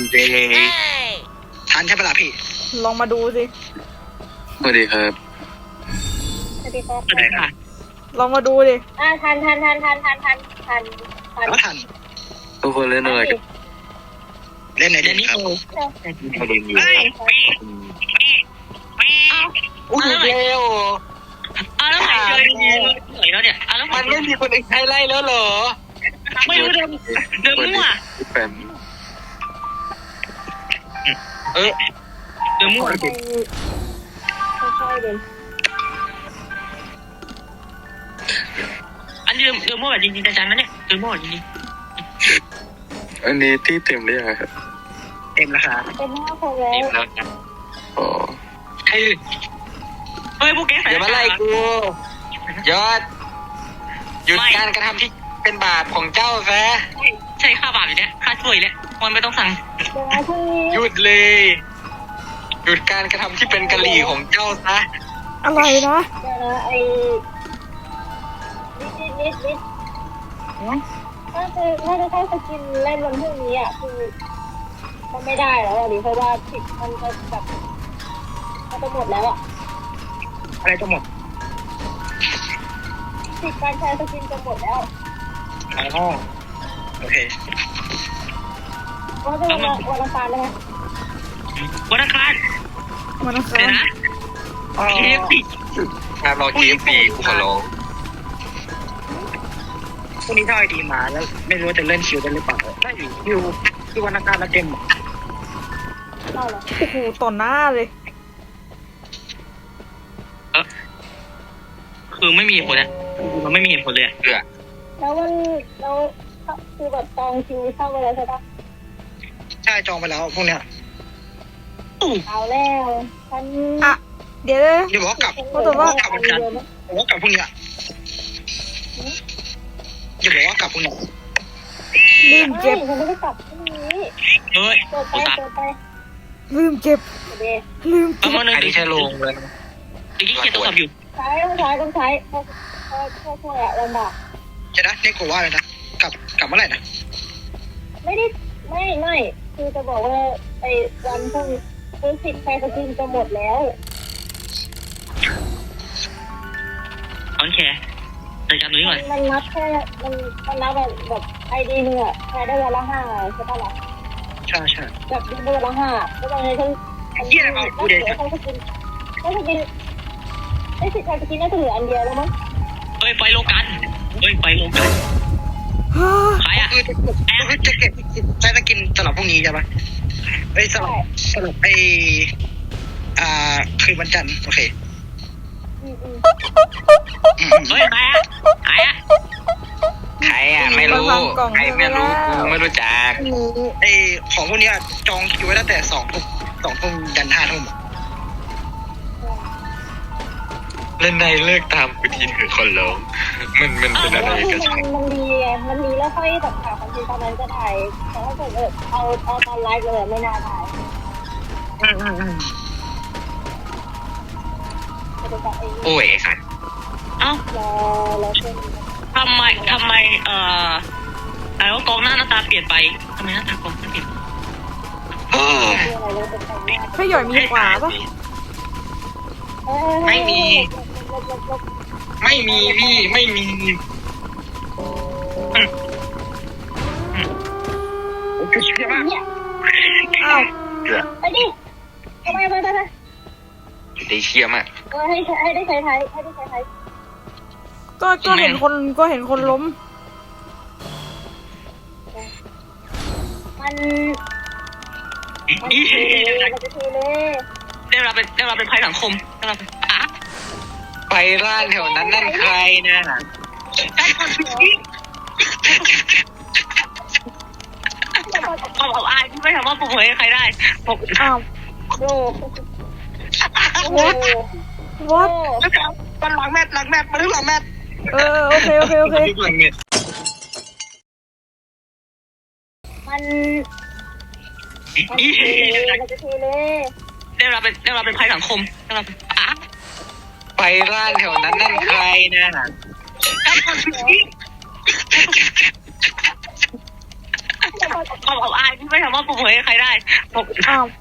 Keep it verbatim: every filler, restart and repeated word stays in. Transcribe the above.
เจทันใช่ปะล่ะพี่ลองมาดูสิสวัสดีครับสวัสดีครับสวัสดีค่ะลองมาดูดิอ่าทันทันทันทันทันทันทันทันก็ทันทุกคนเล่นอะไรกันเล่นไหนเล่นนี้ครับมาดูอยู่อุ้ยเร็วอ้าวแล้วไหนเจอดีๆหน่อยแล้วเนี่ยอ้าวแล้วมันไม่มีคนอื่นใครไล่แล้วเหรอไม่รู้เดิมเดิมมั่วแฟนเออเดิมมั่วค่อยๆเดินอันนี้เดิมเดิมมั่วแบบจริงๆจังๆนะเนี่ยเดิมมั่วจริงๆอันนี้ที่เต็มหรือยังครับเต็มแล้วครับเต็มห้าคนแล้วเต็มแล้วนะอ๋อเฮ้ยเฮ้ยพวกแกใส่อย่ามาไล่กูยอดหยุดการกระทำที่เป็นบาปของเจ้าซะใช่ค่าบาปอยู่เนี่ยค่าช่วยเนี่ยมันไม่ต้องสั่งหยุดเลยหยุดการกระทำที่เป็นกะหรี่ของเจ้าซะอะไรนะเดี๋ยวนะไอ้นิดนิดนิดถ้าจะถ้าจะเข้าสกินเล่นวันพรุ่งนี้อ่ะคือมันไม่ได้แล้วอ่ะดิเพราะว่าสิทธิ์มันจะแบบมันจะหมดแล้วอ่ะอะไรจะหมดสิทธิ์การใช้สกินจะหมดแล้วอ๋อโอเคว่าจะวันวันอังคารเลยไหมวันอังคารวันอังคารเดี๋ยวนะเคฟซีงานรอเคฟซีกูขอร้องพรุ่งนี้ถ้าไอดีมาแล้วไม่รู้จะเล่นคิวได้หรือเปล่าได้อยู่คิวที่วันอังคารแล้วเต็มเข้าเหรอโอ้โหต่อหน้าเลยเออคือไม่มีเหตุผลเนี่ยมันไม่มีเหตุผลเลยเออแล้วมันแล้วคือแบบจองคิวเข้าไปแล้วใช่ปะใช่จองไปแล้วพวกเนี้ยเอาแล้วฉันอ่ะเดี๋ยวเดี๋ยวบอกกลับเขาบอกว่ากลับวันจันทร์บอกว่ากลับพรุ่งนี้อย่าบอกว่ากลับพรุ่งนี้ลืมเก็บฉันไม่ได้กลับพรุ่งนี้เฮ้ยเปิดไปเปิดไปลืมเก็บลืมเก็บอันนี้ใช่ลงเลยอีกที่เกียร์ตัวขับอยู่ใช้ต้องใช้ต้องใช้เพราะเพราะเพราะเพราะอะลำบากจะนะนี่กูว่าเลยนะกลับกลับเมื่อไหร่นะไม่ได้ไม่ไม่คือจะบอกว่าไอ้วันพรุ่งคือสิทธิ์ใช้สกินจะหมดแล้วโอเคแต่จำนี้ก่อนมันนับแค่มันมันนับแบบแบบไอดีหนึ่งอะใช้ได้วันละห้าใช่ปะล่ะใช่ใช่แบบได้วันละห้าแล้วตอนนี้ทั้งเยี่ยมเอากูเด็ดเขาจะกินเขาจะกินไอ้สิทธิ์ใช้สกินน่าจะเหลืออันเดียวแล้วมั้งเฮ้ยไปโลกันเฮ้ยไปโลกันขายอ่ะคือคือจะเก็บใช้สกินสำหรับพวกนี้ใช่ไหมไอ้สำหรับสำหรับไอ้อ่าคืนวันจันทร์โอเคเฮ้ยใครอ่ะใครอ่ะใครอ่ะไม่รู้ใครไม่รู้ไม่รู้จักไอ้ของพวกนี้จองคิวไว้ตั้งแต่สองทุ่มสองทุ่มยันห้าทุ่มเล่นในเลิกตามกูทีเถอะคนร้องมันมันเป็นอะไรกันมันดีมันดีแล้วค่อยแบบหาคอนเทนต์ตอนนั้นก็ได้แต่ถ้าเกิดเอาเอาตอนไลฟ์เลยไม่น่าได้โอ้ยค่ะเอ้าทำไมทำไมเอ่ออะไรว่ากองหน้าหน้าตาเปลี่ยนไปทำไมหน้าตากองเปลี่ยนพี่หย่อยมีขวาปะไม่มีไม่มีพี่ไม่มีอ้าวไปดิทำไมไปไปไปได้เชี่ยมากให้ให้ได้ใช้ไทยให้ได้ใช้ไทยก็ก็เห็นคนก็เห็นคนล้มมันมันเทเลยมันจะเทเลยได้เราเป็นได้เราเป็นภัยสังคมได้เราเป็นอ่ะไปร้านแถวนั้นนั่นใครนะเอาเอาอายไม่ถามว่าผมเผยใครได้ผมอ้าวโอ้โหวัดมันหลังแมทหลังแมทมาถึงหลังแมทเออโอเคโอเคโอเคมันมันเทเลยมันจะเทเลยได้เราเป็นได้เราเป็นภัยสังคมได้เราเป็นอ่ะไปร้านแถวนั้นนั่นใครนะผความอับอายที่ไม่สามารถปรบมือให้ใครได้อ้าว